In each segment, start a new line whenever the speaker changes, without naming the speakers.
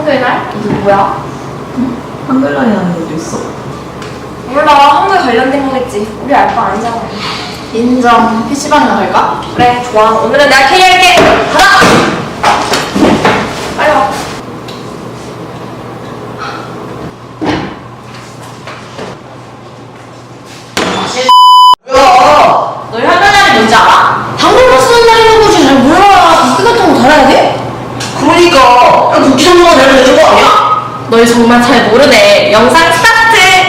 한글날? 이게 뭐야?
한글날이라는 것도 있어.
몰라, 한글 관련된 거겠지. 우리 알 거 아니잖아.
인정. PC방이나 갈까?
그래, 좋아. 오늘은 내가 캐리할게. 가자! 빨리 와.
뭐야?
너희 한글날이 뭔지 알아?
한글로 쓰는 날이라는 거지. 잘 몰라. 국기 같은 거 달아야 돼? 그러니까. 야, 국기 선물가 내면 되는 거 아니야?
너희 정말 잘 모르네. 영상 스타트!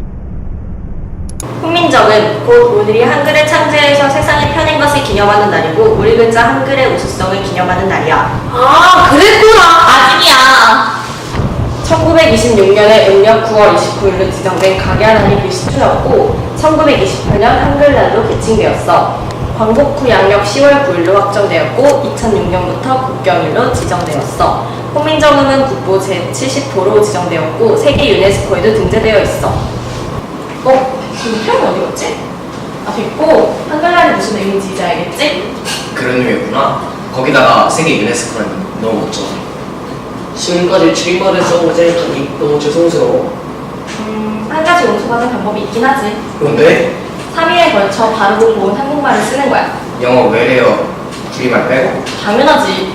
훈민정은 곧 우리들이 한글을 창제해서 세상에 펴낸 것을 기념하는 날이고 우리 글자 한글의 우수성을 기념하는 날이야.
아, 그랬구나.
아직이야. 1926년에 음력 9월 29일로 지정된 각야날이 글씨투였고 1928년 한글날로 개칭되었어. 광복 후 양력 10월 9일로 확정되었고 2006년부터 국경일로 지정되었어. 훈민정음은 국보 제70호로 지정되었고 세계 유네스코에도 등재되어 있어. 지금 표현이 어디 갔지? 아, 됐고 한글날이 무슨 의미인지 이제 알겠지?
그런 의미였구나. 거기다가 세계 유네스코라니 너무 멋져.
지금까지 줄임말에서 오제하니 너무 죄송스러워.
한 가지 용서받은 방법이 있긴 하지.
뭔데?
3일에 걸쳐 바르고 고운 한국말을 쓰는 거야.
영어 외래어 줄임말 빼고?
당연하지.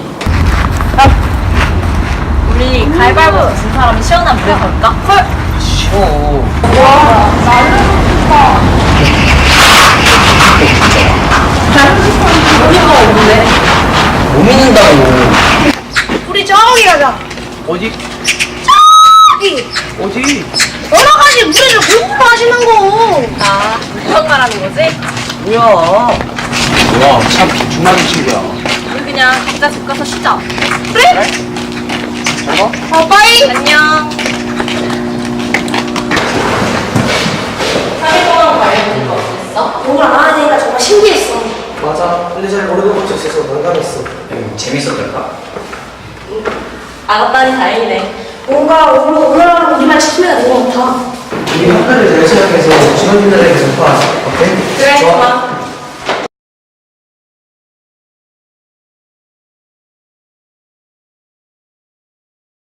우리 가위바위보 진 사람이 시원한 물에 걸까? 헐!
쉬워.
와, 나는 좋다. 우리가 없는데?
못 믿는다고.
우리 저기 가자.
어디?
저기.
어디?
여러 가지 물에서 공부하시는 거.
아, 그런 말하는 거지?
뭐야? 뭐야? 참 비중하는 친구야.
우리 그냥 각자 집 가서 쉬자.
그래?
잘 가?
빠이.
안녕. 3일 동안 관련된 거 어땠어?
공부를 안 하니까 정말 신기했어.
맞아. 근데 잘 모르는 것도 있어서 난감했어.
재밌었달까?
알았다니 다행이네.
뭔가 오늘하고 우리만 지키면 되는 것 같아.
우리 학과를 잘 생각해서 직원들에게 전파하자. 어때?
그래, 좋아.